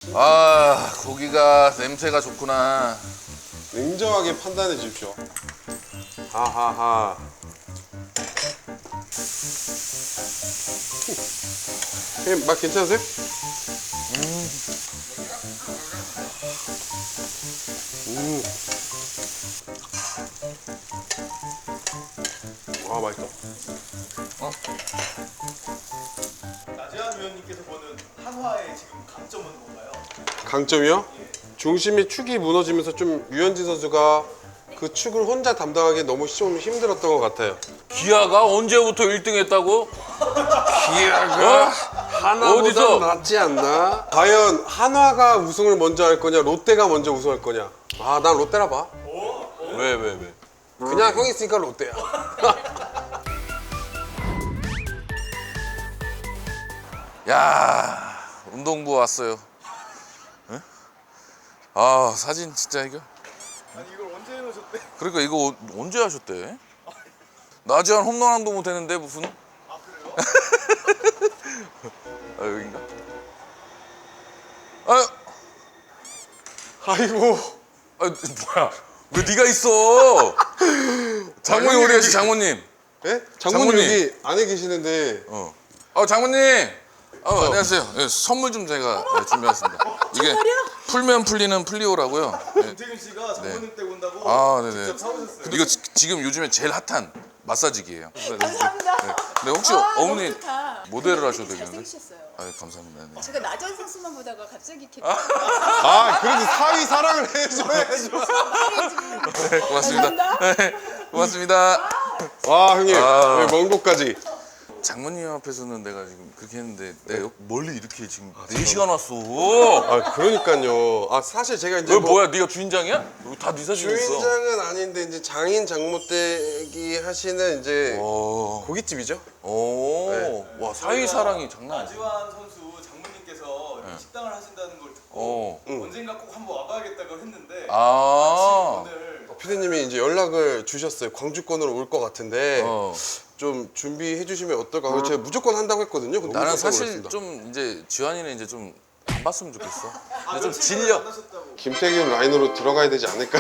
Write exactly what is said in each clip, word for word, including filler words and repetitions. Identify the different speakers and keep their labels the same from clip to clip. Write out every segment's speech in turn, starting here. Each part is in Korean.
Speaker 1: 아, 고기가 냄새가 좋구나.
Speaker 2: 냉정하게 판단해 주십시오. 하하하. 형님 맛 괜찮으세요? 음. 음. 와 맛있다.
Speaker 1: 어?
Speaker 3: 나재환 위원님께서 보는 한화의 지금 강점은 뭔가요?
Speaker 2: 강점이요? 중심이 축이 무너지면서 좀 유현진 선수가 그 축을 혼자 담당하기 너무 좀 힘들었던 것 같아요.
Speaker 1: 기아가 언제부터 일 등 했다고?
Speaker 2: 기아가 하나보다
Speaker 1: 어디서?
Speaker 2: 낫지 않나? 과연 한화가 우승을 먼저 할 거냐, 롯데가 먼저 우승할 거냐? 아, 난 롯데라 봐.
Speaker 1: 왜, 왜, 왜?
Speaker 2: 그냥 형 있으니까 롯데야.
Speaker 1: 야, 운동부 왔어요. 응? 아, 사진 진짜 이거.
Speaker 3: 아니 이걸 언제 해놓으셨대?
Speaker 1: 그러니까 이거 어- 언제 하셨대? 나지한 홈런 한도 못 했는데 무슨?
Speaker 3: 아 그래요?
Speaker 1: 아, 여긴가? 아유,
Speaker 2: 아이고.
Speaker 1: 아, 뭐야? 왜 네가 있어? 장모님
Speaker 2: 아니,
Speaker 1: 어디 가시?
Speaker 2: 여기-
Speaker 1: 장모님.
Speaker 2: 예? 장모님
Speaker 1: 장모님.
Speaker 2: 여기 안에 계시는데.
Speaker 1: 어. 어, 장모님. 어, 안녕하세요. 예, 선물 좀 제가 예, 준비했습니다. 이게 풀면 풀리는 플리오라고요. 예.
Speaker 3: 김태균 씨가 장모님 댁 온다고
Speaker 1: 아, 네네.
Speaker 3: 직접 사오셨어요.
Speaker 1: 이거 지, 지금 요즘에 제일 핫한 마사지기예요.
Speaker 4: 감사합니다.
Speaker 1: 네. 근데 혹시
Speaker 4: 아,
Speaker 1: 어머니
Speaker 4: 너무 좋다.
Speaker 1: 모델을 하셔도
Speaker 4: 되게
Speaker 1: 되겠는데?
Speaker 4: 잘생기셨어요.
Speaker 1: 아, 감사합니다. 네.
Speaker 4: 제가 나전 선수만 보다가 갑자기 이렇게
Speaker 2: 아, 그래도 사위 사랑을 해줘야죠.
Speaker 1: 네, 고맙습니다.
Speaker 4: 감사합니다.
Speaker 1: 네, 고맙습니다.
Speaker 2: 와, 형님.
Speaker 1: 아.
Speaker 2: 네, 먼 곳까지.
Speaker 1: 장모님 앞에서는 내가 지금 그렇게 했는데 내가 여- 멀리 이렇게 지금 네 시간 왔어.
Speaker 2: 아, 그러니까요. 아, 사실 제가 이제
Speaker 1: 왜
Speaker 2: 뭐
Speaker 1: 뭐야? 네가 주인장이야? 여기 다 네 사진 있어.
Speaker 2: 주인장은 아닌데 이제 장인 장모댁이 하시는 이제
Speaker 1: 오,
Speaker 2: 고깃집이죠.
Speaker 1: 오,
Speaker 2: 네.
Speaker 1: 와 사위 사랑이 장난 아니야.
Speaker 3: 나재환 선수 장모님께서 이 식당을 하신다는 걸 듣고
Speaker 1: 어,
Speaker 2: 응.
Speaker 3: 언젠가 꼭 한번 와봐야겠다고 했는데
Speaker 1: 아,
Speaker 3: 오늘
Speaker 2: 피디님이 이제 연락을 주셨어요. 광주권으로 올 것 같은데
Speaker 1: 어.
Speaker 2: 좀 준비해 주시면 어떨까? 그래서 제가 무조건 한다고 했거든요. 근데
Speaker 1: 나는
Speaker 2: 깜짝
Speaker 1: 사실
Speaker 2: 놀랐습니다.
Speaker 1: 좀 이제 지환이는 이제 좀 안 봤으면 좋겠어.
Speaker 3: 아,
Speaker 1: 근데 좀
Speaker 3: 며칠 전에
Speaker 1: 질려.
Speaker 3: 만나셨다고.
Speaker 2: 김태균 라인으로 들어가야 되지 않을까?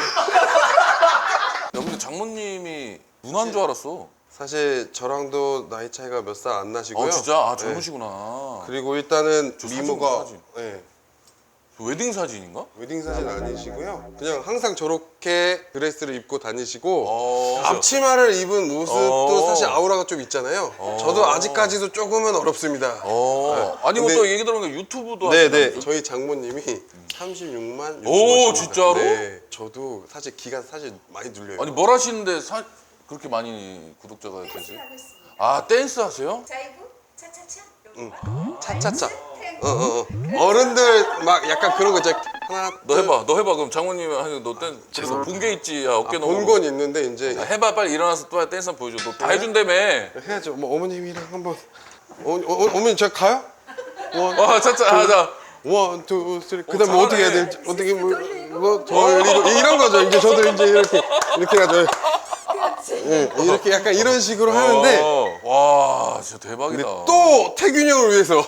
Speaker 1: 야, 근데 장모님이 누나인 줄 알았어.
Speaker 2: 사실 저랑도 나이 차이가 몇 살 안 나시고요.
Speaker 1: 아 진짜? 아
Speaker 2: 네.
Speaker 1: 젊으시구나.
Speaker 2: 그리고 일단은
Speaker 1: 저 사진
Speaker 2: 미모가
Speaker 1: 봐, 사진.
Speaker 2: 네,
Speaker 1: 웨딩 사진인가?
Speaker 2: 웨딩 사진 아니시고요. 그냥 항상 저렇게 드레스를 입고 다니시고
Speaker 1: 어.
Speaker 2: 앞치마를 입은 모습도
Speaker 1: 어.
Speaker 2: 사실 아우라가 좀 있잖아요. 저도 아직까지도 조금은 어렵습니다.
Speaker 1: 어. 아니 뭐
Speaker 2: 근데-
Speaker 1: 또 얘기 들어보니까 유튜브도
Speaker 2: 네네.
Speaker 1: 하시다면서요?
Speaker 2: 저희 장모님이 삼십육만
Speaker 1: 오,
Speaker 2: 유튜버십니다.
Speaker 1: 진짜로?
Speaker 2: 네. 저도 사실 기가 사실 많이 눌려요.
Speaker 1: 아니 뭘 하시는데 사, 그렇게 많이 구독자가 되지?
Speaker 4: 하고 있습니다.
Speaker 1: 아 댄스 하세요?
Speaker 4: 자이브 차차차.
Speaker 2: 응. 차차차. 어, 어, 어. 어른들 막 약간 그런 거 있잖아. 하나,
Speaker 1: 너 해봐, 너 해봐. 그럼 장모님이 하는 너 댄스 그래서 본 게 있지. 야 어깨 너무.
Speaker 2: 본건 있는데 이제
Speaker 1: 야, 해봐 빨리 일어나서 또 댄스 한번 보여줘. 너 다 해준다며.
Speaker 2: 해야죠. 뭐 어머님이랑 한번. 어, 어, 어, 어머니 저 가요? 원,
Speaker 1: 와 차차 하자.
Speaker 2: 원, 투, 쓰리. 그다음 뭐 어떻게 해야
Speaker 1: 잘하네.
Speaker 2: 될지 어떻게 뭐 돌리고 이런 거죠. 이제 저도 이제 이렇게 이렇게 하죠.
Speaker 4: 그렇지.
Speaker 2: 예, 이렇게 약간 이런 식으로 하는데
Speaker 1: 어, 와 진짜 대박이다.
Speaker 2: 근데 또 태균 형을 위해서.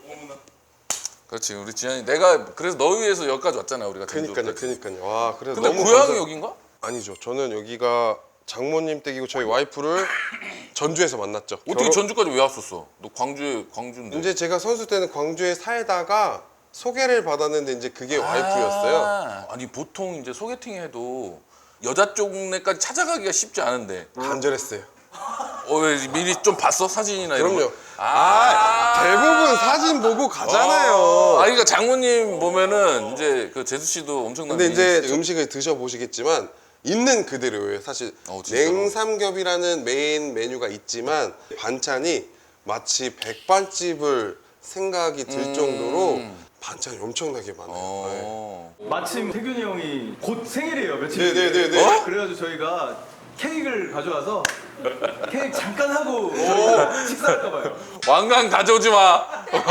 Speaker 1: 그렇지 우리 지한이 내가 그래서 너 위해서 여기까지 왔잖아 우리가.
Speaker 2: 그니까요,
Speaker 1: 전주까지.
Speaker 2: 그니까요. 와, 그래서
Speaker 1: 근데
Speaker 2: 너무
Speaker 1: 고향이
Speaker 2: 감사-
Speaker 1: 여긴가?
Speaker 2: 아니죠. 저는 여기가 장모님 댁이고 저희 와이프를 전주에서 만났죠.
Speaker 1: 어떻게
Speaker 2: 결혼-
Speaker 1: 전주까지 왜 왔었어? 너 광주에 광주인데.
Speaker 2: 이제 제가 선수 때는 광주에 살다가 소개를 받았는데 이제 그게 와이프였어요.
Speaker 1: 아, 아니 보통 이제 소개팅 해도 여자 쪽네까지 찾아가기가 쉽지 않은데.
Speaker 2: 간절했어요.
Speaker 1: 어, 왜 미리 좀 봤어 사진이나 이런
Speaker 2: 그럼요.
Speaker 1: 거? 아,
Speaker 2: 대부분 사진 보고 가잖아요.
Speaker 1: 아, 그러니까 장모님 보면은 이제 그 제수 씨도 엄청난.
Speaker 2: 근데 이제
Speaker 1: 미인이시죠?
Speaker 2: 음식을 드셔보시겠지만 있는 그대로예요. 사실
Speaker 1: 어, 진짜로?
Speaker 2: 냉삼겹이라는 메인 메뉴가 있지만 반찬이 마치 백반집을 생각이 들
Speaker 1: 음.
Speaker 2: 정도로 반찬이 엄청나게 많아요. 네.
Speaker 1: 어.
Speaker 3: 마침 태균이 형이 곧 생일이에요 며칠
Speaker 2: 네, 네, 네,
Speaker 3: 뒤에.
Speaker 2: 네.
Speaker 3: 어? 그래가지고 저희가 케이크를 가져와서 케이크 잠깐 하고 저희가 식사할까 봐요.
Speaker 1: 왕관 가져오지 마.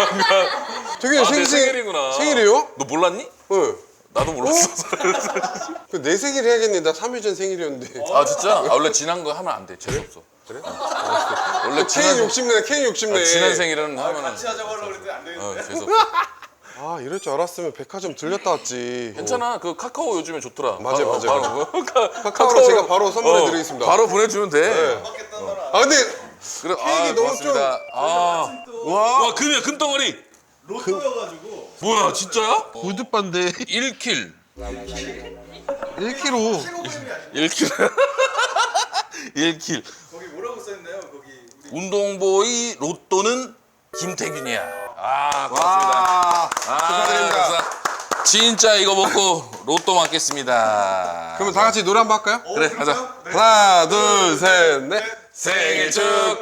Speaker 2: 되게
Speaker 1: 아,
Speaker 2: 생,
Speaker 1: 내 생일이구나.
Speaker 2: 생일이에요?
Speaker 1: 너 몰랐니?
Speaker 2: 네.
Speaker 1: 나도 몰랐어.
Speaker 2: 그 내 생일 해야겠네. 나 삼 일 전 생일이었는데.
Speaker 1: 아 진짜? 아, 원래 지난 거 하면 안 돼. 재수 없어.
Speaker 2: 그래?
Speaker 1: 원래
Speaker 2: 케이크
Speaker 1: 지난
Speaker 2: 욕심내, 케이크 욕심내.
Speaker 1: 아, 지난 생일은 하면은
Speaker 3: 같이 하자고 하려고 그랬더니 안 되겠는데.
Speaker 1: 어, 재수 없어.
Speaker 2: 아 이럴 줄 알았으면 백화점 들렸다 왔지.
Speaker 1: 괜찮아. 그 카카오 요즘에 좋더라.
Speaker 2: 맞아요,
Speaker 1: 바로,
Speaker 2: 맞아요.
Speaker 1: 바로, 카-
Speaker 2: 카카오로 제가 바로 선물해
Speaker 1: 어,
Speaker 2: 드리겠습니다.
Speaker 1: 바로 보내주면 돼.
Speaker 2: 네. 아 근데
Speaker 1: 그래,
Speaker 2: 케이크 너무
Speaker 1: 고맙습니다. 아,
Speaker 2: 와
Speaker 1: 와 금이야 금덩어리.
Speaker 3: 로또여가지고
Speaker 1: 뭐야 진짜야?
Speaker 2: 무드반데
Speaker 1: 일 킬.
Speaker 2: 일 킬로그램.
Speaker 1: 일 킬. 일 킬.
Speaker 3: 거기 뭐라고 써있나요? 거기 우리
Speaker 1: 운동보이 로또는 김태균이야. 아 고맙습니다.
Speaker 2: 와
Speaker 1: 아,
Speaker 2: 축하드립니다.
Speaker 1: 감사합니다. 진짜 이거 먹고 로또 맞겠습니다.
Speaker 2: 그러면 다 같이 노래 한번 할까요?
Speaker 1: 그래 가자.
Speaker 2: 하나 둘셋넷
Speaker 1: 생일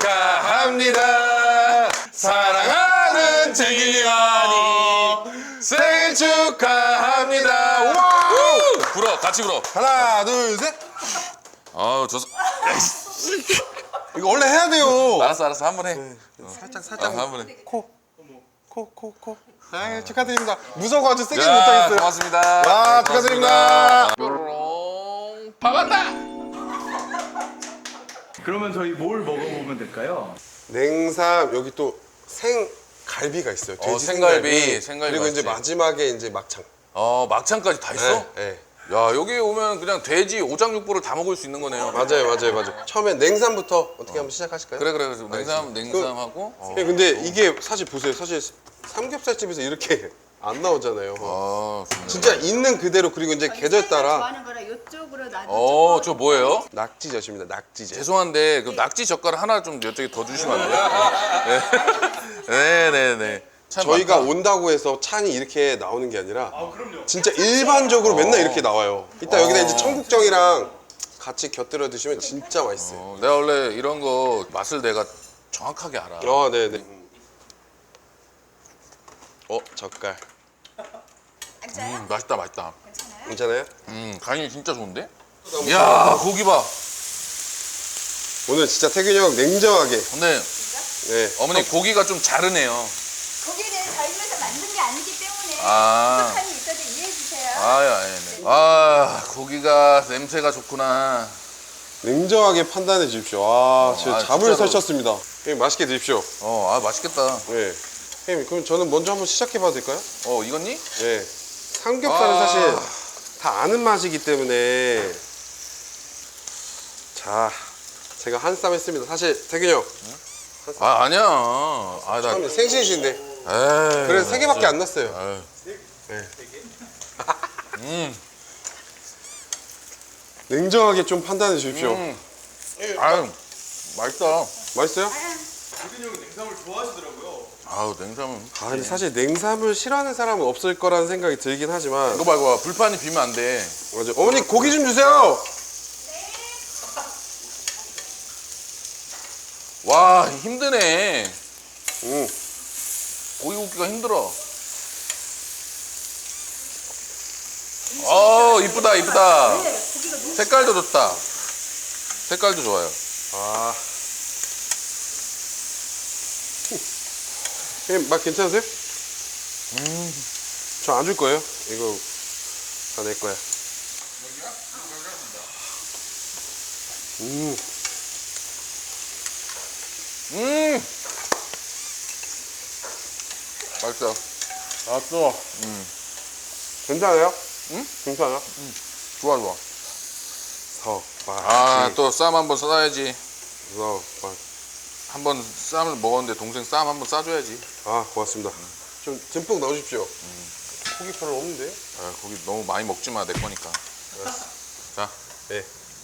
Speaker 1: 축하합니다. 사랑하는 태균이 형이 생일 축하합니다. 와우! 불어 같이 불어.
Speaker 2: 하나 둘셋
Speaker 1: 아우 저
Speaker 2: 이거 원래 해야 돼요.
Speaker 1: 알았어 알았어 한 번 해.
Speaker 2: 살짝
Speaker 1: 아,
Speaker 2: 살짝
Speaker 1: 한 번 해.
Speaker 2: 코 코 코코 아 축하드립니다. 무서워가지고 세게
Speaker 1: 자,
Speaker 2: 못하겠어요.
Speaker 1: 고맙습니다.
Speaker 2: 와,
Speaker 1: 네,
Speaker 2: 축하드립니다.
Speaker 1: 뾰로롱 박았다.
Speaker 3: 그러면 저희 뭘 먹어보면 될까요?
Speaker 2: 냉삼 여기 또 생갈비가 있어요.
Speaker 1: 어,
Speaker 2: 돼지
Speaker 1: 생갈비, 생갈비
Speaker 2: 그리고 이제
Speaker 1: 맛있지.
Speaker 2: 마지막에 이제 막창.
Speaker 1: 어 막창까지 다 있어?
Speaker 2: 네, 네.
Speaker 1: 야 여기 오면 그냥 돼지 오장육부를 다 먹을 수 있는 거네요.
Speaker 2: 맞아요, 맞아요, 맞아요. 처음에 냉삼부터 어떻게 한번 시작하실까요?
Speaker 1: 그래 그래 그래서 냉삼 냉삼하고. 어.
Speaker 2: 예, 근데 이게 사실 보세요. 사실 삼겹살집에서 이렇게 안 나오잖아요.
Speaker 1: 아 좋네.
Speaker 2: 진짜 있는 그대로 그리고 이제 계절 따라
Speaker 4: 좋아하는 거라 이쪽으로 놔도
Speaker 1: 어, 저 뭐예요?
Speaker 2: 낙지젓입니다. 낙지젓.
Speaker 1: 죄송한데 그 낙지 젓갈 하나 좀 여쪽에 더 주시면 안 돼요? 네, 네, 네. 참
Speaker 2: 저희가
Speaker 1: 많다.
Speaker 2: 온다고 해서 찬이 이렇게 나오는 게 아니라
Speaker 3: 아 그럼요.
Speaker 2: 진짜 일반적으로 맨날
Speaker 1: 어.
Speaker 2: 이렇게 나와요. 이따 여기다 이제 청국장이랑 같이 곁들여 드시면 진짜 맛있어요.
Speaker 1: 어, 내가 원래 이런 거 맛을 내가 정확하게 알아.
Speaker 2: 아, 네, 네. 어, 젓갈.
Speaker 4: 앉아요?
Speaker 1: 음, 맛있다, 맛있다.
Speaker 4: 괜찮아요?
Speaker 2: 괜찮아요?
Speaker 1: 음, 간이 진짜 좋은데? 이야, 고기 봐.
Speaker 2: 오늘 진짜 태균이 형 냉정하게.
Speaker 1: 근데
Speaker 2: 네.
Speaker 1: 어머니 고기가 좀 자르네요.
Speaker 4: 고기는 저희 집에서 만든 게 아니기 때문에
Speaker 1: 아.
Speaker 4: 부족함이 있어도 이해해 주세요.
Speaker 1: 아, 야, 네, 네. 아, 고기가 냄새가 좋구나.
Speaker 2: 냉정하게 판단해 주십시오. 아, 진짜
Speaker 1: 아,
Speaker 2: 잡을
Speaker 1: 진짜로.
Speaker 2: 설쳤습니다. 형님 맛있게 드십시오.
Speaker 1: 어, 아, 맛있겠다.
Speaker 2: 네. 형님, 그럼 저는 먼저 한번 시작해 봐도 될까요?
Speaker 1: 어, 익었니?
Speaker 2: 네. 삼겹살은
Speaker 1: 아.
Speaker 2: 사실 다 아는 맛이기 때문에. 자, 제가 한 쌈 했습니다. 사실 태균이 형
Speaker 1: 아, 아니야. 아, 나.
Speaker 2: 처음에 생신이신데
Speaker 1: 에이.
Speaker 2: 그래서 세 개밖에 안 났어요.
Speaker 1: 에이.
Speaker 2: 네.
Speaker 1: 음,
Speaker 2: 냉정하게 좀 판단해 주십시오.
Speaker 1: 음. 아유, 맛있다.
Speaker 2: 맛있어요?
Speaker 3: 태균이 형이 냉삼을 좋아하시더라고요.
Speaker 1: 아우, 냉삼은.
Speaker 2: 아, 근데 사실 냉삼을 싫어하는 사람은 없을 거라는 생각이 들긴 하지만
Speaker 1: 이거 봐, 이거 봐. 불판이 비면 안 돼.
Speaker 2: 맞아. 어머니 고기 좀 주세요.
Speaker 1: 와, 힘드네.
Speaker 2: 응.
Speaker 1: 고기 굽기가 힘들어. 어, 이쁘다, 이쁘다. 색깔도 좋다. 색깔도 좋아요.
Speaker 2: 아. 형님 맛 괜찮으세요? 음. 저 안 줄 거예요. 이거 다 내 거야. 음.
Speaker 1: 음! 맛있어.
Speaker 2: 맛있어. 괜찮아요?
Speaker 1: 응?
Speaker 2: 괜찮아?
Speaker 1: 좋아, 좋아.
Speaker 2: 서, 맛.
Speaker 1: 아, 또 쌈 한번 싸야지.
Speaker 2: 서, 맛.
Speaker 1: 한번 쌈을 먹었는데 동생 쌈 한번 싸줘야지.
Speaker 2: 아, 고맙습니다. 좀 듬뿍 넣으십시오. 고기 별로 없는데?
Speaker 1: 아, 고기 너무 많이 먹지 마, 내 거니까. 자.
Speaker 2: 네.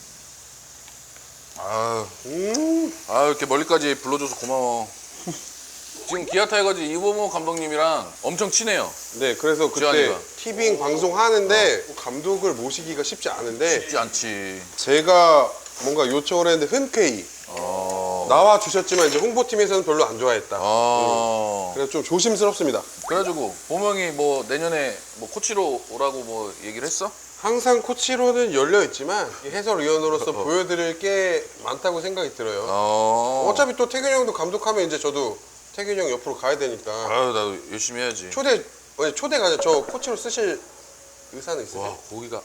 Speaker 1: 아유,
Speaker 2: 음.
Speaker 1: 아 이렇게 멀리까지 불러줘서 고마워. 지금 기아 타이거즈 이범호 감독님이랑 엄청 친해요.
Speaker 2: 네, 그래서 그때
Speaker 1: 지환이가.
Speaker 2: 티빙 방송 하는데 감독을 모시기가 쉽지 않은데
Speaker 1: 쉽지 않지.
Speaker 2: 제가 뭔가 요청을 했는데 흔쾌히
Speaker 1: 어.
Speaker 2: 나와 주셨지만 이제 홍보팀에서는 별로 안 좋아했다.
Speaker 1: 어.
Speaker 2: 그래서 좀 조심스럽습니다.
Speaker 1: 그래가지고 보명이 뭐 내년에 뭐 코치로 오라고 뭐 얘기를 했어?
Speaker 2: 항상 코치로는 열려 있지만 해설위원으로서 보여드릴 게 많다고 생각이 들어요.
Speaker 1: 어.
Speaker 2: 어차피 또 태균이 형도 감독하면 이제 저도 태균이 형 옆으로 가야 되니까
Speaker 1: 아유 나도 열심히 해야지.
Speaker 2: 초대 아니 초대가 아니라 저 코치로 쓰실 의사는 있으세요?
Speaker 1: 와 고기가.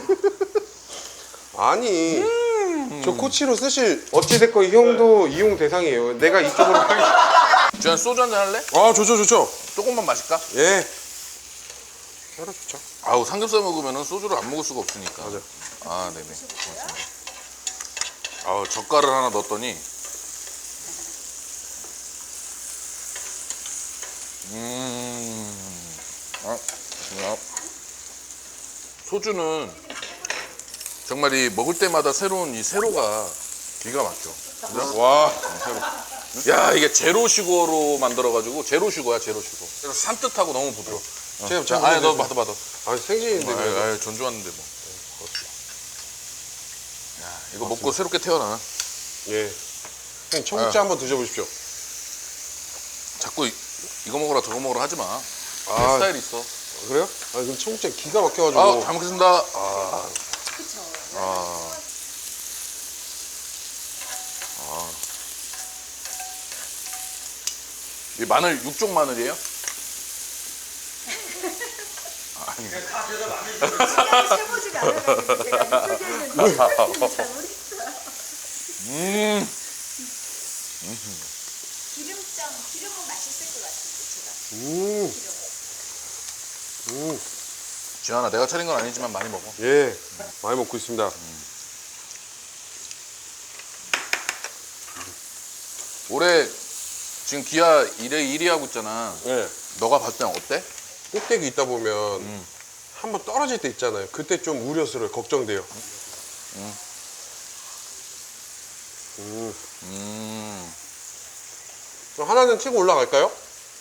Speaker 2: 아니 저 코치로 쓰실 어찌됐건 이 형도 이용 대상이에요. 내가 이쪽으로 가기.
Speaker 1: 주한 소주 한잔 할래?
Speaker 2: 아 좋죠 좋죠.
Speaker 1: 조금만 마실까?
Speaker 2: 예. 혈압 좋죠.
Speaker 1: 아우 삼겹살 먹으면은 소주를 안 먹을 수가 없으니까.
Speaker 2: 맞아.
Speaker 1: 아 네네. 고맙습니다. 아우 젓갈을 하나 넣었더니 음. 아, 야. 소주는 정말 이 먹을 때마다 새로운 이 세로가 기가 막혀. 그죠?
Speaker 2: 와.
Speaker 1: 새로. 야 이게 제로 슈거로 만들어가지고 제로 슈거야 제로 슈거. 그래서 산뜻하고 너무 부드러워.
Speaker 2: 제가
Speaker 1: 자,
Speaker 2: 제가
Speaker 1: 아니 너
Speaker 2: 보내드릴게요.
Speaker 1: 받아 받아.
Speaker 2: 아 생신인데.
Speaker 1: 아유,
Speaker 2: 그래도.
Speaker 1: 아유, 전 좋았는데 뭐. 야 이거 먹고 새롭게 태어나.
Speaker 2: 예. 형님 청국장
Speaker 1: 아.
Speaker 2: 한번 드셔보십시오.
Speaker 1: 자꾸 이, 이거 먹어라 저거 먹어라 하지 마. 내
Speaker 2: 아.
Speaker 1: 스타일 있어.
Speaker 2: 그래요? 아 근데 청국장 기가 막혀가지고.
Speaker 1: 아, 잘 먹겠습니다. 아,
Speaker 4: 그쵸.
Speaker 1: 아. 아. 이 마늘 육종 마늘이에요? 아니.
Speaker 4: 시간이 세보지가 않아가지고 제가 이쪽에는 잘 모르겠어요.
Speaker 1: 음.
Speaker 4: 기름장, 기름은 맛있을 것 같은데 제가.
Speaker 2: 음. 음.
Speaker 1: 지현아, 내가 차린 건 아니지만 많이 먹어.
Speaker 2: 예. 많이 먹고 있습니다.
Speaker 1: 올해 지금 기아 일 회 일 위 하고 있잖아.
Speaker 2: 예.
Speaker 1: 너가 봤을 때는 어때?
Speaker 2: 꼭대기 있다 보면 한번 떨어질 때 있잖아요. 그때 좀 우려스러워요. 걱정돼요. 음.
Speaker 1: 음.
Speaker 2: 그럼 하나는 치고 올라갈까요?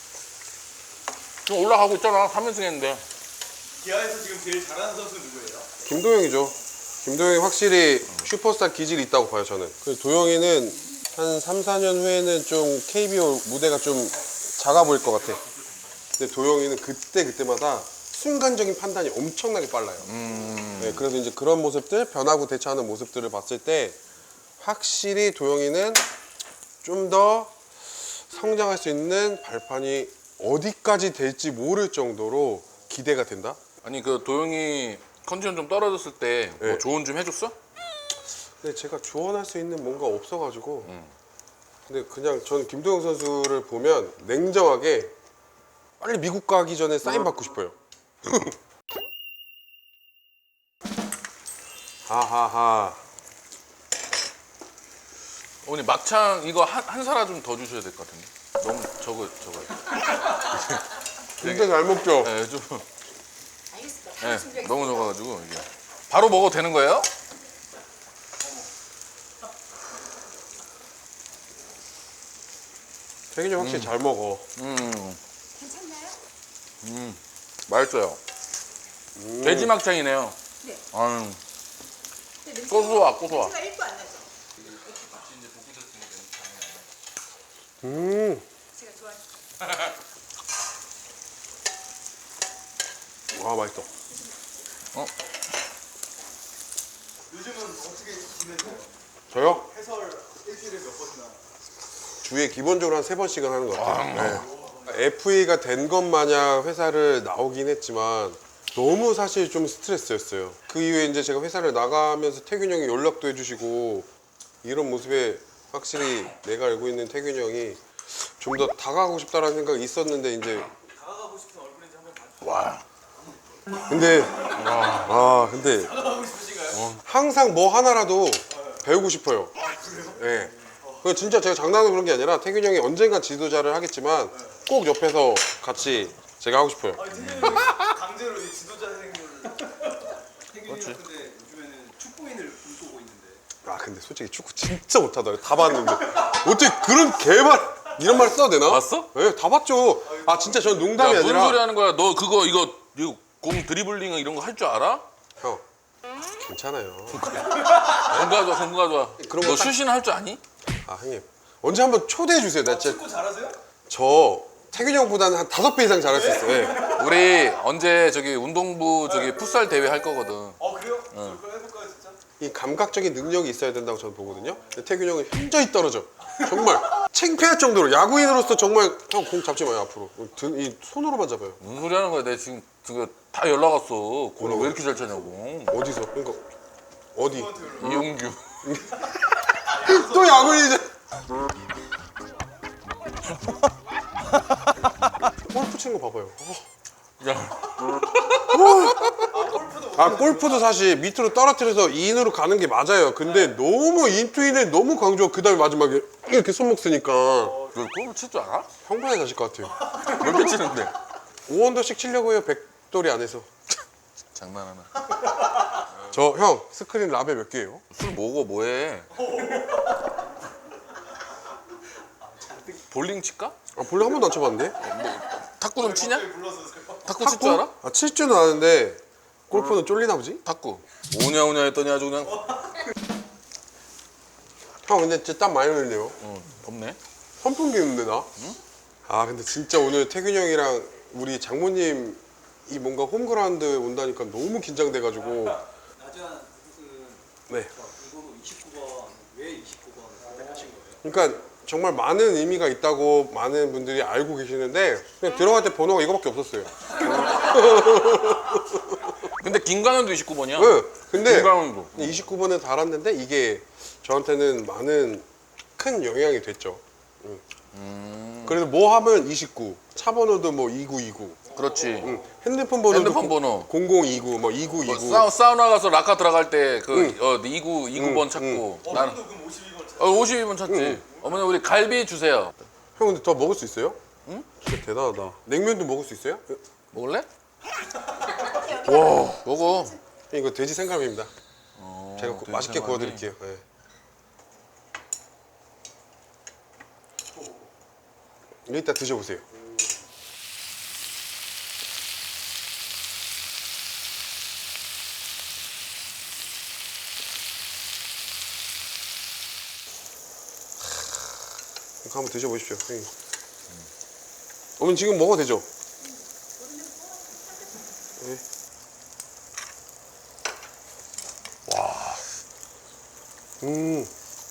Speaker 1: 지금 올라가고 있잖아. 삼 연승 했는데.
Speaker 3: 기아에서 지금 제일 잘하는 선수 누구예요?
Speaker 2: 김도영이죠. 김도영이 확실히 슈퍼스타 기질이 있다고 봐요, 저는. 그래서 도영이는 한 삼, 사 년 후에는 좀 케이비오 무대가 좀 작아 보일 것 같아. 근데 도영이는 그때 그때마다 순간적인 판단이 엄청나게 빨라요.
Speaker 1: 음.
Speaker 2: 네, 그래서 이제 그런 모습들, 변하고 대처하는 모습들을 봤을 때 확실히 도영이는 좀 더 성장할 수 있는 발판이 어디까지 될지 모를 정도로 기대가 된다?
Speaker 1: 아니 그 도영이 컨디션 좀 떨어졌을 때 뭐
Speaker 2: 네.
Speaker 1: 조언 좀 해줬어?
Speaker 2: 근데 제가 조언할 수 있는 뭔가 없어가지고 근데 그냥 저는 김도영 선수를 보면 냉정하게 빨리 미국 가기 전에 사인 받고 싶어요. 하하하.
Speaker 1: 어머니 막창 이거 한, 한 사라 좀 더 주셔야 될 것 같은데. 너무 저거 저거.
Speaker 2: 진짜 잘 먹죠?
Speaker 1: 네, 좀
Speaker 4: 알겠습니다.
Speaker 1: 네,
Speaker 4: 바로 준비하겠습니다.
Speaker 1: 너무 적어가지고 이게 바로 먹어도 되는 거예요?
Speaker 2: 태균이 형 확실히 잘 먹어.
Speaker 1: 음,
Speaker 4: 괜찮나요?
Speaker 1: 음, 맛있어요. 돼지 막창이네요.
Speaker 4: 네.
Speaker 1: 아유,
Speaker 4: 근데 냄새가-
Speaker 1: 고소하, 고소하.
Speaker 4: 냄새가 일도 안 나죠?
Speaker 2: 음.
Speaker 4: 제가 좋아하는.
Speaker 2: 와 맛있어.
Speaker 3: 요즘은 어떻게 지내세요?
Speaker 2: 저요?
Speaker 3: 해설 일주일에 몇 번이나?
Speaker 2: 주에 기본적으로 한 세 번씩은 하는 것 같아요. 네. 에프에이가 된 것 마냥 회사를 나오긴 했지만 너무 사실 좀 스트레스였어요. 그 이후에 이제 제가 회사를 나가면서 태균 형이 연락도 해주시고 이런 모습에 확실히 내가 알고 있는 태균 형이 좀 더 다가가고 싶다라는 생각이 있었는데 이제
Speaker 3: 다가가고 싶은 얼굴인지 한번 봐주세요.
Speaker 1: 와,
Speaker 2: 근데 아 근데
Speaker 3: 다가가고 싶으신가요?
Speaker 2: 항상 뭐 하나라도 배우고 싶어요. 네. 그 진짜 제가 장난으로 그런 게 아니라 태균 형이 언젠간 지도자를 하겠지만 꼭 옆에서 같이 제가 하고 싶어요.
Speaker 3: 아니 태균이 강제로 이 지도자 생각을. 태균이 형 근데 요즘에는 축구인을 꿈꾸고 있는데.
Speaker 2: 아 근데 솔직히 축구 진짜 못하더라고요. 다 봤는데 어떻게 그런 개말 이런 말 써도 되나?
Speaker 1: 봤어?
Speaker 2: 네, 다 봤죠. 아 진짜 저는 농담이
Speaker 1: 야, 무슨
Speaker 2: 아니라
Speaker 1: 소리 하는 거야? 너 그거 이거 이거 공 드리블링 이런 거 할 줄 알아?
Speaker 2: 형 괜찮아요.
Speaker 1: 공 가져와, 공 가져와.
Speaker 2: 그런
Speaker 1: 너
Speaker 2: 거 딱-
Speaker 1: 슛이나 할 줄 아니?
Speaker 2: 아 형님 언제 한번 초대해 주세요. 나 진짜
Speaker 3: 축구 잘하세요?
Speaker 2: 저 태균 형보다는 한 다섯 배 이상 잘할 수 있어요. 네.
Speaker 1: 우리 언제 저기 운동부 저기 풋살 대회 할 거거든.
Speaker 3: 어 그래요? 저 그거 해볼까요 진짜?
Speaker 2: 이 감각적인 능력이 있어야 된다고 저는 보거든요. 근데 태균 형은 현저히 떨어져. 정말 창피할 정도로 야구인으로서 정말 형 공 잡지 마요 앞으로. 등, 이 손으로만 잡아요.
Speaker 1: 무슨 소리 하는 거야? 내가 지금 그거 다 연락 왔어. 공을 왜 이렇게 잘 차냐고.
Speaker 2: 어디서? 그러니까 어디?
Speaker 1: 이용규.
Speaker 2: 또 야구인이잖아. 골프 치는 거 봐봐요. 어, 아 골프도 사실 밑으로 떨어뜨려서 이인으로 가는 게 맞아요. 근데 너무 인투인을 너무 강조하고 그 다음에 마지막에 이렇게 손목 쓰니까
Speaker 1: 너 골프 칠 줄 알아?
Speaker 2: 형반에 가실 것 같아요.
Speaker 1: 몇 개 치는데?
Speaker 2: 오 언더씩 치려고 해요. 백돌이 안에서.
Speaker 1: 장난하나.
Speaker 2: 저 형 스크린 라벨 몇 개예요?
Speaker 1: 술 먹어 뭐해? 볼링 칠까?
Speaker 2: 아 볼링 한 번도 안 쳐봤는데?
Speaker 1: 탁구 좀 치냐?
Speaker 3: 불러서
Speaker 1: 탁구 칠 줄 알아?
Speaker 2: 아, 칠 줄은 아는데 골프는 쫄리나 보지?
Speaker 1: 탁구. 오냐 오냐 했더니 아주 그냥
Speaker 2: 형 근데 진짜 땀 많이 흘리네요.
Speaker 1: 어, 덥네.
Speaker 2: 선풍기 있는데 나? 아 근데 진짜 오늘 태균 형이랑 우리 장모님 이 뭔가 홈그라운드 온다니까 너무 긴장돼가지고
Speaker 3: 나지한 그
Speaker 2: 네.
Speaker 3: 이번호 이십구 번 왜 이십구 번 선택하신 거예요?
Speaker 2: 그러니까 정말 많은 의미가 있다고 많은 분들이 알고 계시는데 그냥 들어갈 때 번호가 이거밖에 없었어요.
Speaker 1: 근데 김강현도 이십구 번이야.
Speaker 2: 네. 근데
Speaker 1: 김강현도.
Speaker 2: 이십구 번에 달았는데 이게 저한테는 많은 큰 영향이 됐죠. 응.
Speaker 1: 음,
Speaker 2: 그래서 뭐 하면 이십구, 차 번호도 뭐 이구이구,
Speaker 1: 그렇지.
Speaker 2: 응. 핸드폰 번호도
Speaker 1: 핸드폰 번호.
Speaker 2: 공공이구, 뭐 이구이구.
Speaker 1: 사우, 사우나 가서 라카 들어갈 때그
Speaker 2: 응.
Speaker 1: 어, 이구 이구 번
Speaker 2: 응,
Speaker 1: 찾고 나는
Speaker 3: 어머니도 그럼 오십이 번 찾
Speaker 1: 어, 오십이 번 찾지. 어머니 우리 갈비 주세요.
Speaker 2: 형 근데 더 먹을 수 있어요?
Speaker 1: 응?
Speaker 2: 진짜 대단하다. 냉면도 먹을 수 있어요?
Speaker 1: 먹을래?
Speaker 2: 와,
Speaker 1: 먹어.
Speaker 2: 이거 돼지 생갈비입니다.
Speaker 1: 어,
Speaker 2: 제가 구-
Speaker 1: 돼지
Speaker 2: 맛있게
Speaker 1: 생갈비.
Speaker 2: 구워드릴게요. 네. 이거 이따 드셔보세요. 이거 한번 드셔보십시오. 형님. 어머니 지금 먹어도 되죠? 네. 음,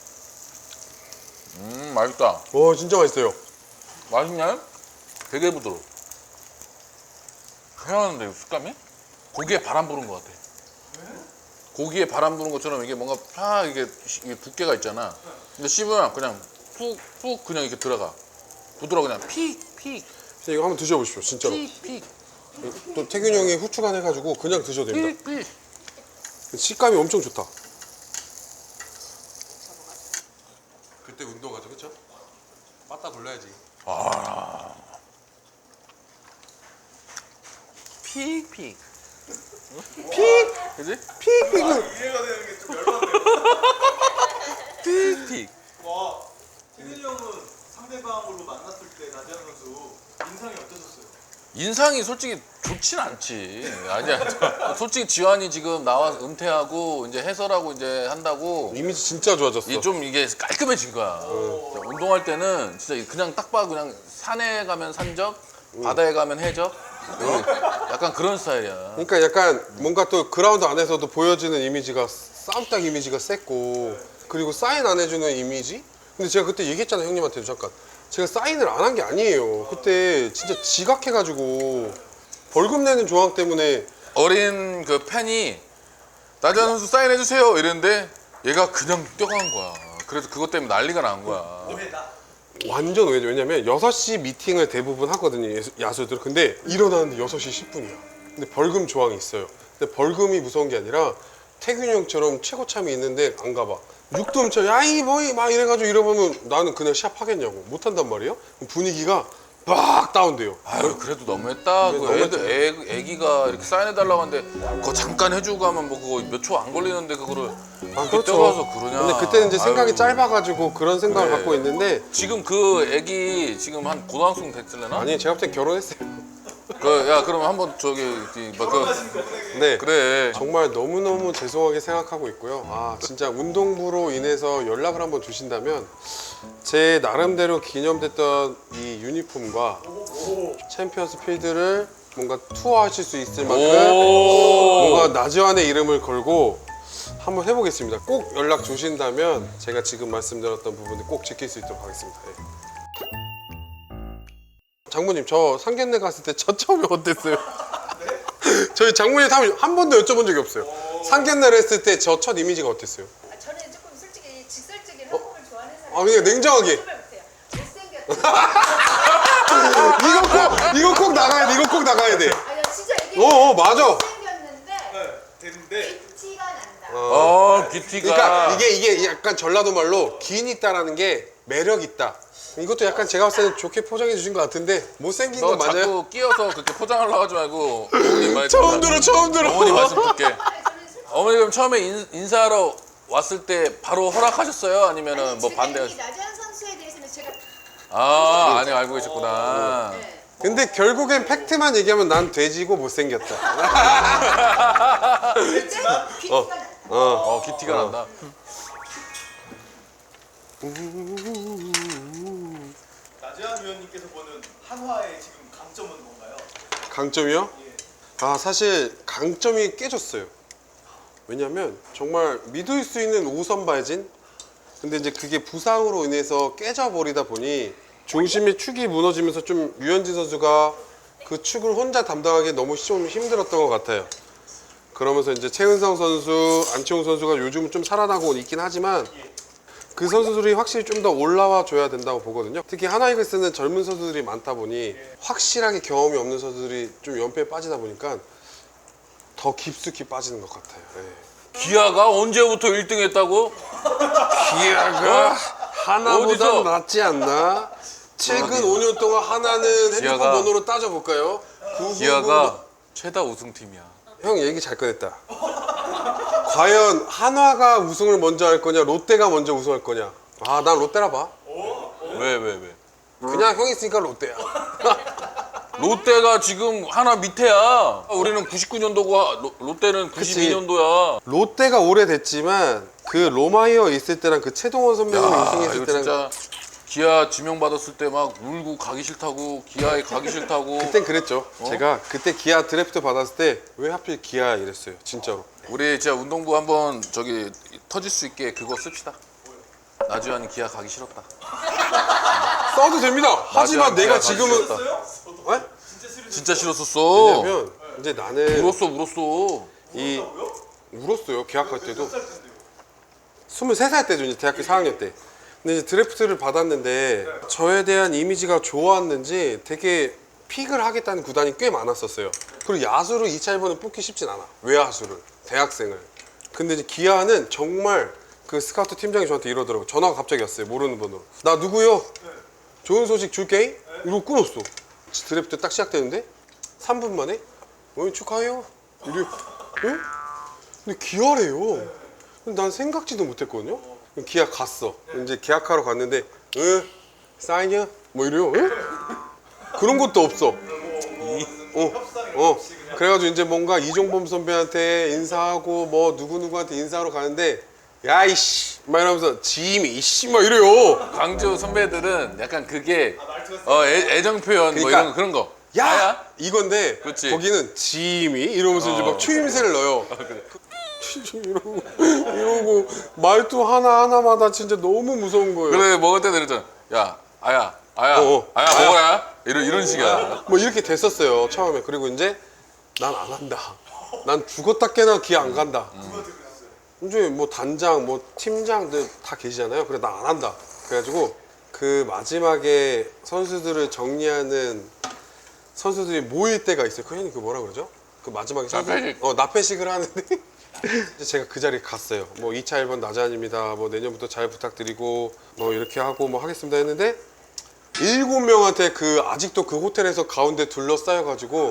Speaker 1: 음 맛있다.
Speaker 2: 와 진짜 맛있어요.
Speaker 1: 맛있냐? 되게 부드러워. 희한한데 식감이? 고기에 바람 부는 것 같아. 고기에 바람 부는 것처럼 이게 뭔가 파 이게, 시- 이게 두께가 있잖아. 근데 씹으면 그냥 푹푹 그냥 이렇게 들어가. 부드러워 그냥 픽픽
Speaker 2: 이거 한번 드셔보십시오. 진짜로.
Speaker 1: 픽픽
Speaker 2: 또 태균 형이 후추간 해가지고 그냥 드셔도 됩니다.
Speaker 1: 픽픽.
Speaker 2: 식감이 엄청 좋다. 그때 운동하죠, 그렇죠? 맞다 불러야지.
Speaker 1: 픽픽. 픽. 그지?
Speaker 2: 픽픽은
Speaker 3: 이해가 되는 게 좀 열받네요.
Speaker 1: 픽픽.
Speaker 3: 와, 태균이 형은 상대방으로 만났을 때 나지한 선수 인상이 어떠셨어요?
Speaker 1: 인상이 솔직히 좋진 않지. 아니야. 솔직히 지환이 지금 나와 은퇴하고 이제 해설하고 이제 한다고
Speaker 2: 이미지 진짜 좋아졌어.
Speaker 1: 이 좀 이게 깔끔해진 거야. 진짜 운동할 때는 진짜 그냥 딱 봐 그냥 산에 가면 산적, 바다에 가면 해적. 약간 그런 스타일이야.
Speaker 2: 그러니까 약간 뭔가 또 그라운드 안에서도 보여지는 이미지가 싸움딱 이미지가 셌고 그리고 사인 안 해주는 이미지? 근데 제가 그때 얘기했잖아요 형님한테도 잠깐 제가 사인을 안 한 게 아니에요. 그때 진짜 지각해가지고 벌금 내는 조항 때문에
Speaker 1: 어린 그 팬이 나지한 선수 사인해 주세요 이랬는데 얘가 그냥 뛰어간 거야. 그래서 그것 때문에 난리가 난 거야.
Speaker 3: 왜 나?
Speaker 2: 완전 왜냐 왜냐면 여섯 시 미팅을 대부분 하거든요 야수- 야수들. 근데 일어나는데 여섯 시 십 분이야. 근데 벌금 조항이 있어요. 근데 벌금이 무서운 게 아니라 태균이 형처럼 최고참이 있는데 안 가봐. 육도음쳐 야이 뭐이 막 이래가지고 이러면 나는 그냥 시합하겠냐고 못한단 말이에요. 그럼 분위기가 막 다운돼요.
Speaker 1: 아유 그래도 너무했다.
Speaker 2: 네,
Speaker 1: 그
Speaker 2: 너무했죠.
Speaker 1: 애들, 애, 애기가 이렇게 사인해달라고 하는데 그거 잠깐 해주고 가면 뭐 그거 몇 초 안 걸리는데 그거를
Speaker 2: 아,
Speaker 1: 그렇게 뛰어가서 그러냐.
Speaker 2: 근데 그때는 이제 생각이
Speaker 1: 아유.
Speaker 2: 짧아가지고 그런 생각을
Speaker 1: 그래.
Speaker 2: 갖고 있는데
Speaker 1: 지금 그 애기 지금 한 고등학생 됐을래나?
Speaker 2: 아니 제가 볼 땐 결혼했어요.
Speaker 1: 그, 야 그럼 한번 저기 뭐 그,
Speaker 2: 네.
Speaker 1: 그래.
Speaker 2: 정말 너무너무 죄송하게 생각하고 있고요. 아 진짜 운동부로 인해서 연락을 한번 주신다면 제 나름대로 기념됐던 이 유니폼과 챔피언스 필드를 뭔가 투어하실 수 있을 만큼
Speaker 1: 오.
Speaker 2: 뭔가 나지완의 이름을 걸고 한번 해보겠습니다. 꼭 연락 주신다면 제가 지금 말씀드렸던 부분을 꼭 지킬 수 있도록 하겠습니다. 네. 장모님 저 상견례 갔을 때 첫 처음이 어땠어요? 저희 장모님 한, 한 번도 여쭤본 적이 없어요. 상견례를 했을 때 저 첫 이미지가 어땠어요?
Speaker 4: 아, 저는 조금 솔직히 직설적인 한국을 좋아하는 사람.
Speaker 2: 아 그냥 냉정하게
Speaker 4: 정말 못해요. 못생겼다.
Speaker 2: 이거 꼭 이거 꼭 나가야 돼. 이거 꼭 나가야 돼.
Speaker 4: 아니
Speaker 2: 어, 어 맞아.
Speaker 4: 생겼는데
Speaker 3: 네, 되는데
Speaker 4: 티가 난다.
Speaker 1: 어, 귀티가.
Speaker 2: 그러니까 이게 이게 약간 전라도 말로 긴 있다라는 게 매력 있다. 이것도 약간 제가 봤을 때는 좋게 포장해 주신 것 같은데 못생긴
Speaker 1: 너
Speaker 2: 거 맞아요?
Speaker 1: 자꾸 끼어서 그렇게 포장하려고 하지 말고 어머니 말
Speaker 2: 처음 들어 처음 들어.
Speaker 1: 어머니 말씀 듣게.
Speaker 4: 저는 솔직히
Speaker 1: 어머니 그럼 처음에 인, 인사하러 왔을 때 바로 허락하셨어요? 아니면은 뭐
Speaker 4: 제가
Speaker 1: 반대?
Speaker 4: 이 나재현 선수에 대해서는 제가
Speaker 1: 아, 아니 알고 계셨구나.
Speaker 4: 네.
Speaker 2: 근데 결국엔 팩트만 얘기하면 난 돼지고 못생겼다.
Speaker 4: 근데 귀티가
Speaker 2: 어.
Speaker 4: 난다.
Speaker 2: 어.
Speaker 1: 어, 귀티가 난다.
Speaker 3: 나재한 위원님께서 보는 한화의 지금 강점은 뭔가요?
Speaker 2: 강점이요?
Speaker 3: 예.
Speaker 2: 아 사실 강점이 깨졌어요. 왜냐면 정말 믿을 수 있는 오선 발진. 근데 이제 그게 부상으로 인해서 깨져버리다 보니 중심의 축이 무너지면서 좀 류현진 선수가 그 축을 혼자 담당하기 너무 좀 힘들었던 것 같아요. 그러면서 이제 최은성 선수, 안치홍 선수가 요즘은 좀 살아나고 있긴 하지만 그 선수들이 확실히 좀 더 올라와 줘야 된다고 보거든요. 특히 하나이글스는 젊은 선수들이 많다 보니 확실하게 경험이 없는 선수들이 좀 연패에 빠지다 보니까 더 깊숙이 빠지는 것 같아요. 예.
Speaker 1: 기아가 언제부터 일 등 했다고?
Speaker 2: 기아가 하나보다
Speaker 1: 어디서?
Speaker 2: 낫지 않나? 최근 오 년 동안 하나는 핸드폰
Speaker 1: 기아가-
Speaker 2: 번호로 따져볼까요? 구구구.
Speaker 1: 기아가 최다 우승팀이야.
Speaker 2: 형 얘기 잘 꺼냈다. 과연 한화가 우승을 먼저 할 거냐, 롯데가 먼저 우승할 거냐? 아, 난 롯데라 봐.
Speaker 1: 왜, 왜, 왜?
Speaker 2: 그냥 형이 있으니까 롯데야.
Speaker 1: 롯데가 지금 하나 밑에야. 우리는 구십구 년도고 롯데는 구십이 년도야.
Speaker 2: 롯데가 오래됐지만 그 로마이어 있을 때랑 그 최동원 선배님
Speaker 1: 야,
Speaker 2: 우승했을
Speaker 1: 이거
Speaker 2: 때랑
Speaker 1: 진짜 기아 지명 받았을 때 막 울고 가기 싫다고 기아에 가기 싫다고.
Speaker 2: 그땐 그랬죠. 제가 그때 기아 드래프트 받았을 때 왜 하필 기아 이랬어요. 진짜로.
Speaker 1: 우리 진짜 운동부 한번 저기 터질 수 있게 그거 씁시다. 나주환이 기아 가기 싫었다.
Speaker 2: 써도 됩니다. 하지만
Speaker 1: 맞아,
Speaker 2: 내가
Speaker 1: 기아
Speaker 2: 지금은
Speaker 1: 가기
Speaker 2: 어?
Speaker 1: 진짜 싫었었어.
Speaker 2: 왜냐면 이제 나는
Speaker 1: 울었어, 울었어.
Speaker 2: 이 울었어요. 계약할 때도 스물세 살 때죠. 이제 대학교 사 학년 때. 근데 이제 드래프트를 받았는데 저에 대한 이미지가 좋았는지 되게 픽을 하겠다는 구단이 꽤 많았었어요. 그리고 야수를 이 차 일 번에 뽑기 쉽진 않아. 외야수를 대학생을. 근데 이제 기아는 정말 그 스카우트 팀장이 저한테 이러더라고. 전화가 갑자기 왔어요. 모르는 번호로. 나 누구요? 좋은 소식 줄게. 이러고 끊었어. 드래프트 딱 시작되는데 삼 분 만에 어, 축하해요. 이래. 응? 근데 기아래요. 근데 난 생각지도 못했거든요. 그럼 기아 갔어. 이제 계약하러 갔는데 응? 사인이야? 뭐 이래요. 응? 그런 것도 없어. 어, 어. 그래가지고 이제 뭔가 이종범 선배한테 인사하고 뭐 누구누구한테 인사하러 가는데 야이씨 막 이러면서 지임이 이씨 막 이래요.
Speaker 1: 광주 선배들은 약간 그게 어, 애, 애정 표현 뭐
Speaker 2: 그러니까
Speaker 1: 이런 거, 그런 거.
Speaker 2: 야!
Speaker 1: 아야?
Speaker 2: 이건데
Speaker 1: 그치.
Speaker 2: 거기는 지임이 이러면서 이제
Speaker 1: 어.
Speaker 2: 막 추임새를 넣어요. 이러고 이러고 말투 하나 하나마다 진짜 너무 무서운 거예요.
Speaker 1: 그래 먹을 때도 이러잖아. 야, 아야, 아야,
Speaker 2: 어, 어.
Speaker 1: 아야 먹어라. 이런 이런 식이야.
Speaker 2: 뭐 이렇게 됐었어요 처음에. 그리고 이제 난 안 한다. 난 죽었다 깨나 기아 안 간다. 이제 뭐 단장, 뭐 팀장들 다 계시잖아요. 그래 나 안 한다. 그래가지고 그 마지막에 선수들을 정리하는 선수들이 모일 때가 있어요. 그 형님 그 뭐라 그러죠? 그 마지막에 선수
Speaker 1: 나폐식.
Speaker 2: 어 나폐식을 하는데 이제 제가 그 자리에 갔어요. 뭐 이 차 일 번 나재환입니다. 뭐 내년부터 잘 부탁드리고 뭐 이렇게 하고 뭐 하겠습니다 했는데 일곱 명한테 그 아직도 그 호텔에서 가운데 둘러싸여가지고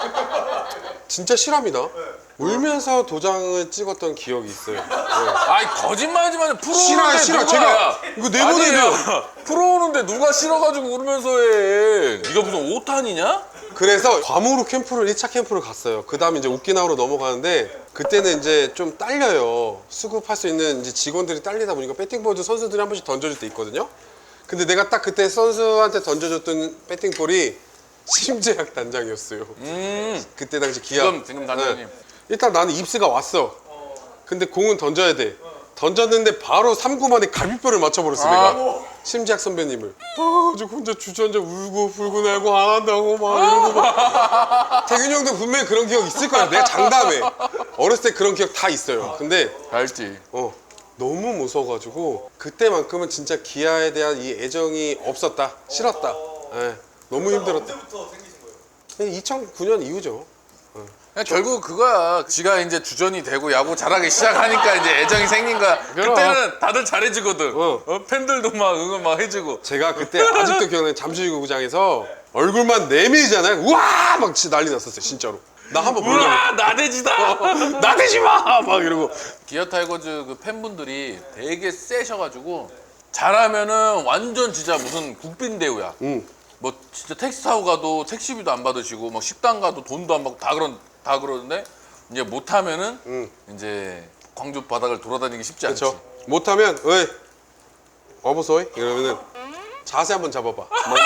Speaker 2: 진짜 실합니다. 울면서 도장을 찍었던 기억이 있어요. 네.
Speaker 1: 아이 거짓말하지만 프로
Speaker 2: 싫어요,
Speaker 1: 오는데
Speaker 2: 싫어.
Speaker 1: 누가
Speaker 2: 제가
Speaker 1: 야,
Speaker 2: 이거 내보내야
Speaker 1: 아니야. 프로 오는데 누가 싫어가지고 울면서 해. 네가 무슨 오탄이냐?
Speaker 2: 그래서 괌으로 캠프를 일 차 캠프를 갔어요. 그 다음에 이제 오키나와로 넘어가는데 그때는 이제 좀 딸려요. 수급할 수 있는 이제 직원들이 딸리다 보니까 배팅볼도 선수들이 한 번씩 던져줄 때 있거든요. 근데 내가 딱 그때 선수한테 던져줬던 배팅볼이 심재학 단장이었어요.
Speaker 1: 음.
Speaker 2: 그때 당시 기아.
Speaker 1: 지금 지금 단장님.
Speaker 2: 네. 일단 나는 입스가 왔어. 근데 공은 던져야 돼. 던졌는데 바로 삼 구 만에 갈비뼈를 맞춰버렸어
Speaker 1: 아.
Speaker 2: 내가. 심재학 선배님을. 아, 저 혼자 주저앉아 울고 불고 날고 안 한다고 막 이러고 막. 태균이 형도 분명히 그런 기억 있을 거야. 내가 장담해. 어렸을 때 그런 기억 다 있어요. 근데
Speaker 1: 알지.
Speaker 2: 어 너무 무서워가지고 그때만큼은 진짜 기아에 대한 이 애정이 없었다. 싫었다. 예, 너무 힘들었다.
Speaker 3: 언제부터 생기신 거예요?
Speaker 2: 이천구 년 이후죠. 어.
Speaker 1: 그냥 결국 그거야. 지가 이제 주전이 되고 야구 잘하기 시작하니까 이제 애정이 생긴 거야.
Speaker 2: 그럼.
Speaker 1: 그때는 다들 잘해주거든.
Speaker 2: 어.
Speaker 1: 어, 팬들도 막 응원 막 해주고.
Speaker 2: 제가 그때 아직도 기억나는 잠실구장에서 얼굴만 내밀잖아요. 우와 막 진짜 난리 났었어요 진짜로. 나 한번 보려고.
Speaker 1: 우와 나대지다.
Speaker 2: 나대지 마! 막 이러고.
Speaker 1: 기아 타이거즈 그 팬분들이 되게 세셔가지고 잘하면은 완전 진짜 무슨 국빈 대우야.
Speaker 2: 응.
Speaker 1: 뭐 진짜 택시 타고 가도 택시비도 안 받으시고 막 식당 가도 돈도 안 받고 다 그런 다 그러는데 이제 못하면은
Speaker 2: 응.
Speaker 1: 이제 광주 바닥을 돌아다니기 쉽지 않지.
Speaker 2: 그렇죠. 못하면 어이 어보소이 이러면은 자세 한번 잡아봐.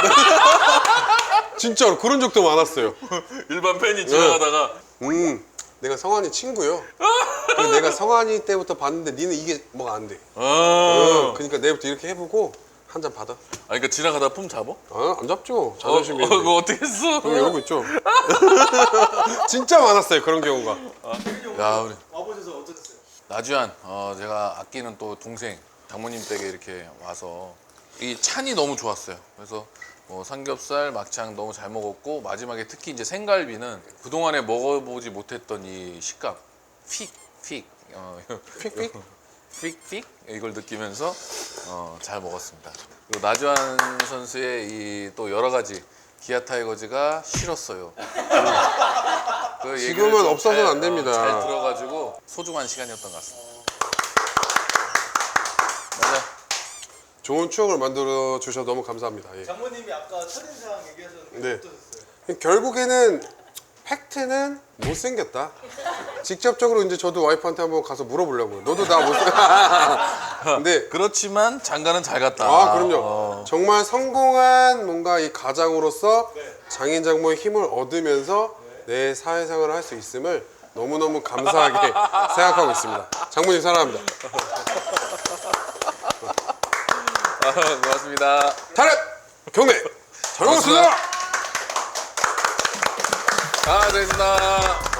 Speaker 2: 막 진짜로 그런 적도 많았어요.
Speaker 1: 일반 팬이 지나가다가
Speaker 2: 음, 내가 성환이 친구요. 그리고 내가 성환이 때부터 봤는데 니는 이게 뭐가 안 돼.
Speaker 1: 어.
Speaker 2: 어, 그러니까 내일부터 이렇게 해보고 한 잔 받아.
Speaker 1: 아 그러니까 지나가다 품 잡어?
Speaker 2: 아, 안 잡죠.
Speaker 1: 어,
Speaker 2: 자존심이.
Speaker 1: 어, 그거 어떻게 했어?
Speaker 2: 그럼 이러고 있죠. 진짜 많았어요 그런 경우가.
Speaker 1: 야 우리
Speaker 3: 와보셔서 어떠셨어요?
Speaker 1: 나주한 어, 제가 아끼는 또 동생 장모님 댁에 이렇게 와서 이 찬이 너무 좋았어요. 그래서 뭐 삼겹살, 막창 너무 잘 먹었고 마지막에 특히 이제 생갈비는 그 동안에 먹어보지 못했던 이 식감, 픽, 픽, 어,
Speaker 2: 픽픽?
Speaker 1: 픽, 픽 이걸 느끼면서 어, 잘 먹었습니다. 그리고 나주한 선수의 이 또 여러 가지 기아 타이거즈가 싫었어요. 그 얘기를
Speaker 2: 지금은
Speaker 1: 좀
Speaker 2: 없어서는
Speaker 1: 잘,
Speaker 2: 안 됩니다.
Speaker 1: 어, 잘 들어가지고 소중한 시간이었던 것 같습니다. 맞아.
Speaker 2: 좋은 추억을 만들어 주셔서 너무 감사합니다. 예.
Speaker 3: 장모님이 아까 첫인상 얘기하셨는데
Speaker 2: 네.
Speaker 3: 어떠셨어요?
Speaker 2: 결국에는 팩트는 못생겼다. 직접적으로 이제 저도 와이프한테 한번 가서 물어보려고요. 너도 나 못생. 근데
Speaker 1: 그렇지만 장가는 잘 갔다.
Speaker 2: 아 그럼요.
Speaker 1: 어.
Speaker 2: 정말 성공한 뭔가 이 가장으로서 장인 장모의 힘을 얻으면서 내 사회생활을 할 수 있음을 너무너무 감사하게 생각하고 있습니다. 장모님 사랑합니다.
Speaker 1: 아, 고맙습니다.
Speaker 2: 타랩 경례 잘 먹었습니다.
Speaker 1: 아, 됐습니다.